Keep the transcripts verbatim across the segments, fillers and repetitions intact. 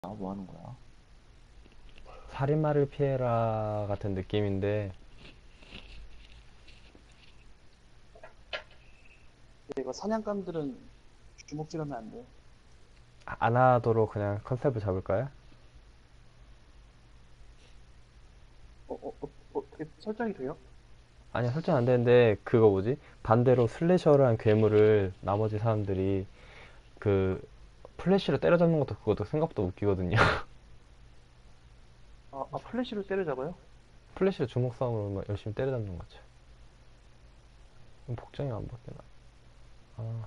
아, 뭐 하는 거야? 살인마를 피해라 같은 느낌인데. 이거 사냥감들은 주먹질하면 안 돼요. 안 하도록 그냥 컨셉을 잡을까요? 어, 어, 어, 어떻게 설정이 돼요? 아니야, 설정 안 되는데 그거 뭐지? 반대로 슬래셔를 한 괴물을 나머지 사람들이 그 플래시로 때려잡는 것도 그것도 생각보다 웃기거든요. 아, 아 플래시로 때려잡아요? 플래시로 주먹 싸움으로 막 열심히 때려잡는 거죠. 그럼 복장이 안 바뀌나? 아,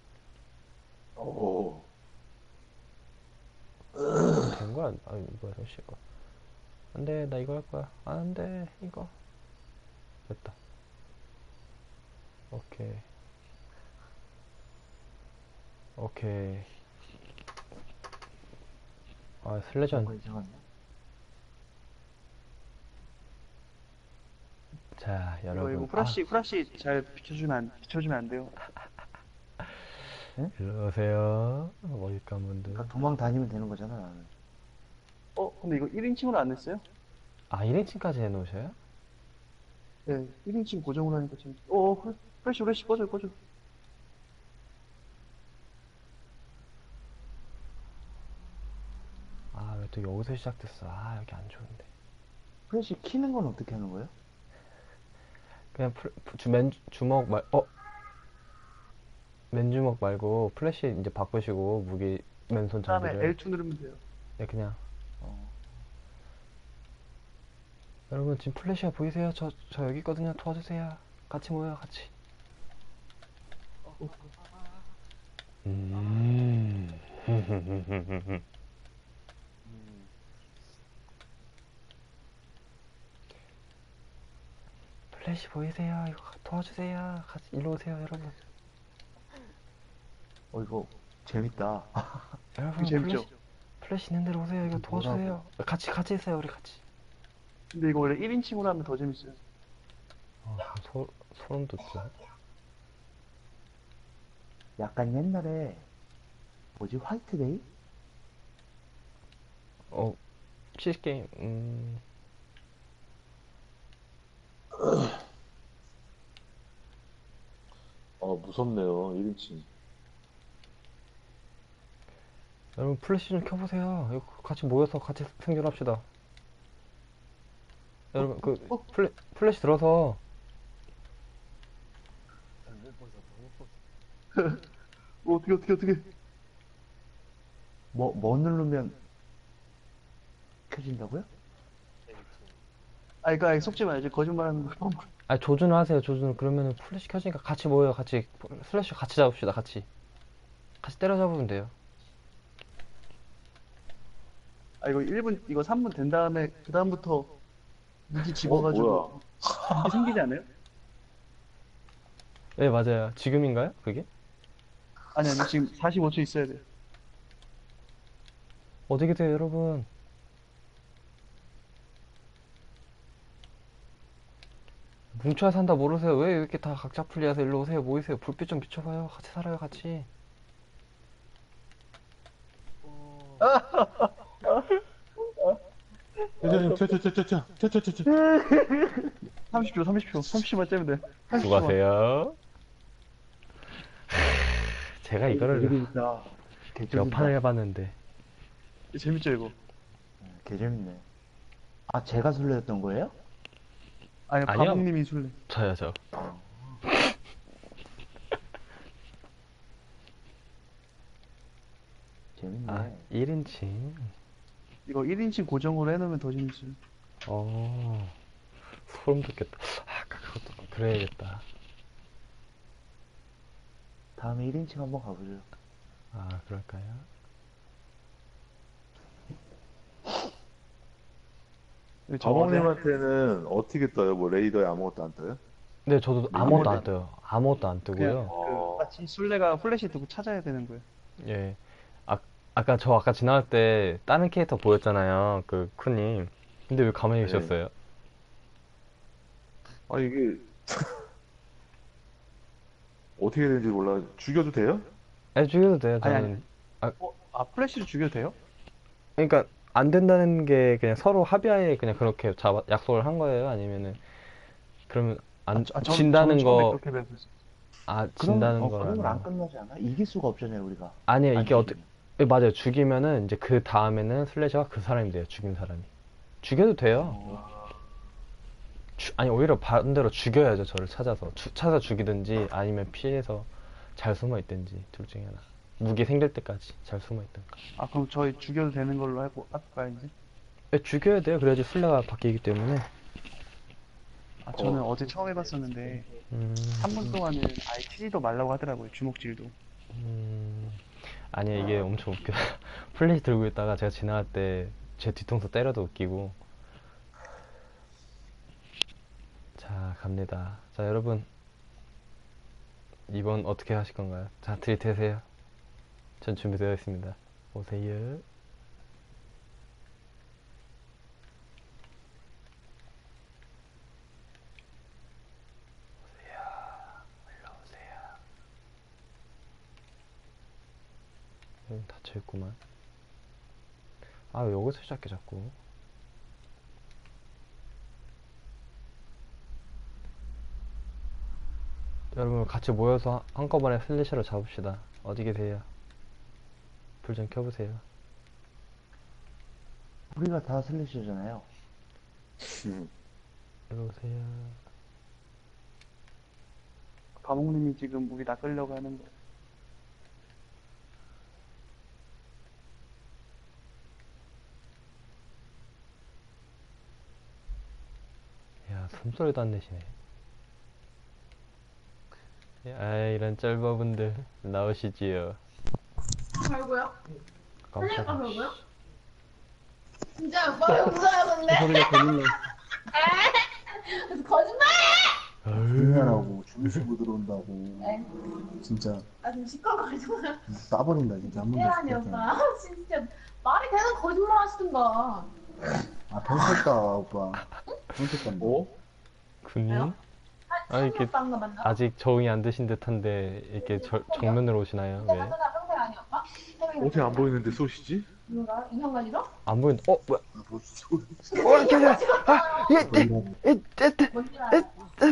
오. 이거 된 거야? 아, 뭐야, 저 씨가. 안 돼, 나 이거 할 거야. 안 돼, 이거. 됐다. 오케이. 오케이. 아, 슬래셔. 뭔가 이상하네. 자, 이거 여러분. 이거 아, 후라시 후라시 잘 비춰주면 안 비춰주면 안 돼요. 응? 일로 오세요. 머리감 그러니까 분들. 도망 다니면 되는 거잖아, 나는. 어, 근데 이거 일 인칭으로 안 냈어요? 아, 일 인칭까지 해놓으셔요? 네, 일 인칭 고정으로 하니까 지금. 어, 후- 후라시 후라시 꺼져 꺼져. 아, 왜 또 여기서 시작됐어? 아, 여기 안 좋은데. 프레시 키는 건 어떻게 하는 거예요? 그냥 플- 주, 맨, 주먹 말, 어? 맨주먹 말고 플래시 이제 바꾸시고 무기 맨손 그다음에 장비를. 엘 투 누르면 돼요. 네, 그냥. 어, 여러분, 지금 플래시가 보이세요? 저, 저 여기 있거든요. 도와주세요. 같이 모여요, 같이. 어, 음. 음, 플래시 보이세요? 이거 도와주세요. 같이, 일로 오세요, 여러분. 어, 이거 재밌다. 되게 여러분, 플래시, 재밌죠? 플래시 있는 데로 오세요. 이거 이게 뭐라고? 도와주세요. 같이, 같이 있어요, 우리 같이. 근데 이거 원래 일 인칭으로 하면 더 재밌어요. 아, 소, 소름 돋죠. 약간 옛날에, 뭐지, 화이트데이? 어, 치즈게임, 음, 어, 무섭네요, 일 인칭. 여러분 플래시 좀 켜보세요. 이거 같이 모여서 같이 생존합시다. 어, 여러분 그 어, 어, 플래, 플래시 들어서. 어, 어떻게 어떻게 어떻게? 뭐, 뭐 누르면 켜진다고요? 아, 이거 아니, 속지 말지 거짓말하는 거. 아, 조준을 하세요. 조준을. 그러면은 플래시 켜지니까 같이 모여요. 같이 플래시 같이 잡읍시다. 같이 같이 때려잡으면 돼요. 아, 이거 일 분, 이거 삼 분 된 다음에, 그다음부터 무기 어, 뭐야. 집어가지고, 무기 생기지 않아요? 네, 맞아요. 지금인가요? 그게? 아니, 아니, 지금 사십오 초 있어야 돼. 어디 계세요, 여러분? 뭉쳐야 산다 모르세요? 왜 이렇게 다 각자 풀리하세요? 일로 오세요. 모이세요. 불빛 좀 비춰봐요. 같이 살아요, 같이. 회장님, 튀어, 튀어, 튀어, 튀어, 튀어, 튀어, 튀어, 튀어. 삼십 초, 삼십 초, 삼십 초만 째면 돼. 삼십 초만. 수고하세요. 제가 어, 이거 되게 이거를 재밌다. 개 몇 판을 쫄린다. 해봤는데. 재밌죠, 이거? 개 재밌네. 아, 제가 술래였던 거예요? 아니, 아니요, 바봉님이 술래. 저요, 저. 어, 아, 재밌네. 일 인칭. 이거 일 인칭 고정으로 해놓으면 더 재밌어요. 어, 소름 돋겠다. 아, 아까 그것도 그래야겠다. 다음에 일 인칭 한번 가보죠. 아, 그럴까요? 저, 네, 자몽님한테는 어떻게 떠요? 뭐, 레이더에 아무것도 안 떠요? 네, 저도 아무것도 안 아무것도 떠요. 아무것도 안 그냥, 뜨고요. 그, 어, 마치 술래가 플래시 두고 찾아야 되는 거예요. 예. 아, 아까 저 아까 지나갈 때 다른 캐릭터 보였잖아요. 그 쿠님. 근데 왜 가만히 네. 계셨어요? 아, 이게 어떻게 되는지 몰라. 죽여도 돼요? 아, 죽여도 돼요. 아니, 아니. 저는. 아, 어, 아, 플래시를 죽여도 돼요? 그러니까 안 된다는 게 그냥 서로 합의하에 그냥 그렇게 잡아, 약속을 한 거예요? 아니면은 그러면 안 아, 저, 진다는 저는 처음에 거, 그렇게 배웠어요. 아, 그럼, 진다는 어, 그러면 안 거라면 끝나지 않아? 이길 수가 없잖아요, 우리가. 아니에요. 안 이게 어떻게 죽이면. 예, 맞아요. 죽이면은 이제 그 다음에는 슬래셔가 그 사람이 돼요. 죽인 사람이. 죽여도 돼요. 주- 아니 오히려 반대로 죽여야죠. 저를 찾아서 주- 찾아 죽이든지 아니면 피해서 잘 숨어 있든지 둘 중에 하나. 무기 생길 때까지 잘 숨어 있든가. 아, 그럼 저희 죽여도 되는 걸로 해보, 할까요, 이제? 예, 죽여야 돼요. 그래야지 술래가 바뀌기 때문에. 아, 저는 어. 제 처음 해봤었는데, 음, 삼 분 동안은 아예 치지도 말라고 하더라고요, 주먹질도. 음, 아니 이게 엄청 웃겨. 플래시 들고 있다가 제가 지나갈 때 제 뒤통수 때려도 웃기고. 자, 갑니다. 자, 여러분 이번 어떻게 하실 건가요? 자, 들이대세요. 전 준비되어 있습니다. 오세요. 올라오세요. 여기 닫혀있구만. 아, 왜 여기서 시작해 자꾸. 여러분 같이 모여서 한꺼번에 슬래셔를 잡읍시다. 어디 계세요? 불 좀 켜보세요. 우리가 다 슬래시잖아요. 일로 오세요. 과목님이 지금 우리 낚으려고 하는 거. 야, 숨소리도 안 내시네. 아, 이런 짤바분들 나오시지요. 말고요? 깜짝이야. 아, 말고요? 진짜 오빠 웃어요 근데? 소리가 들리네. 거짓말해! 조용하라고 주무시 못 들어온다고 네. 진짜 아 지금 시끄러워가지고 싸버린다 진짜 한 번도 깨라니 오빠 진짜 말이 되는 거짓말 하시던가. 아 병쳤다 오빠 병쳤다 어? 군인? 왜요? 아, 이렇게 오빠인가 맞나? 아직 적응이 안 되신 듯한데 이렇게 저, 정면으로 오시나요? 진짜 왜? 맞잖아 평생 아니 오빠? 어떻게 안 보이는데 쏘시지? 누가? 인형가지로? 안 보인, 어, 뭐야? 아 벌써 소리 어, 이렇게, 아, 예, 예, 예, 예, 예, 뭔지 알아?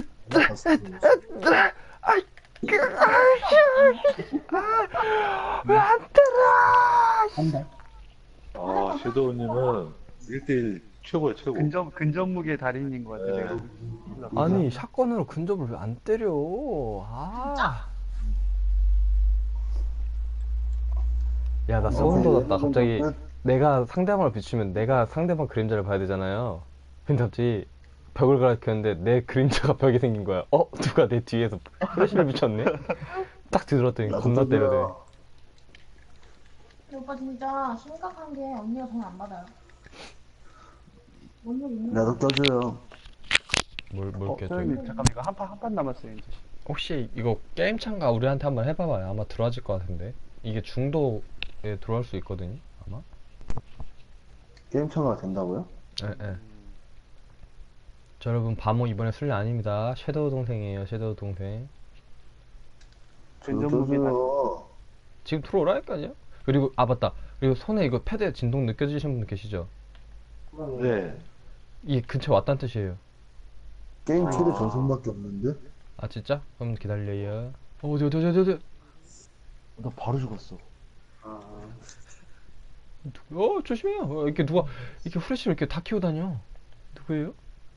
왜안 들어? 한달 아, 섀도우님은 일 대일 최고야, 최고. 근접, 근접무게 달인인 것 같아요, 제가. 보기엔. 아니, 샷건으로 근접을 왜 안 때려? 아. 야, 나 소름 돋았다. 갑자기 내가 상대방을 비추면 내가 상대방 그림자를 봐야 되잖아요. 근데 갑자기 벽을 가리켰는데 내 그림자가 벽에 생긴 거야. 어? 누가 내 뒤에서 플래시를 비췄네? 딱 뒤돌았더니 겁나 때려대. 근데 오빠 진짜 심각한 게 언니가 돈 안 받아요. 뭔일 있는 거 나도 껴줘요 뭘, 뭘 어, 껴줘? 소연님, 잠깐만, 이거 한 판, 한 판 남았어요, 이제. 혹시 이거 게임 참가 우리한테 한번 해봐봐요. 아마 들어와질 것 같은데. 이게 중도에 들어올 수 있거든요. 아마. 게임 참가가 된다고요? 예, 예. 저 여러분 바모 이번에 술래 아닙니다. 섀도우 동생이에요. 섀도우 동생. 저도 근접무게 달인. 껴줘요 지금 들어오라니까요. 그리고 아 맞다. 그리고 손에 이거 패드에 진동 느껴지시는 분들 계시죠? 네. 이 근처 왔다는 뜻이에요. 게임 최대 전선밖에 없는데? 아 진짜? 그럼 기다려요. 어, 어디 어디 어디 어디 어디. 나 바로 죽었어. 어 조심해요. 어, 이렇게 누가 이렇게 후레쉬를 이렇게 다 키고 다녀. 누구예요?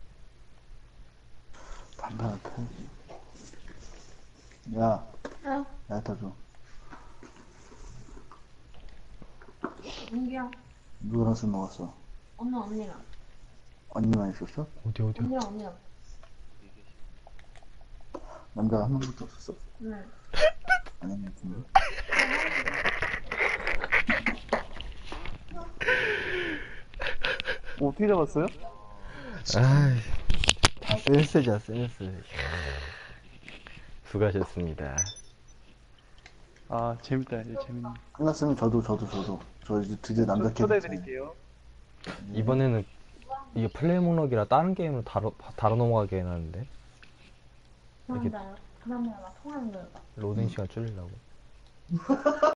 반반 편지 야 응? 나한테 줘 은기야 누구랑 술 먹었어? 엄마 언니랑 언니만 있었어? 어디 어디? 언니랑 언니랑 남자가 한 명밖에 없었어? 응. 아닌 것 같은데? 어, 어떻게 잡았어요? 아이, 다 센스죠 센스. 수고하셨습니다. 아, 재밌다, 이제 재밌네. 끝났으면 저도 저도 저도 저 이제 드디어 남자 초- 캐릭터 초대해드릴게요. 이번에는 이게 플레이 목록이라 다른 게임으로 다뤄 다뤄 넘어가게 해놨는데 그럼 나 그러면 나 통화하는 거야. 로딩 시간 줄이려고.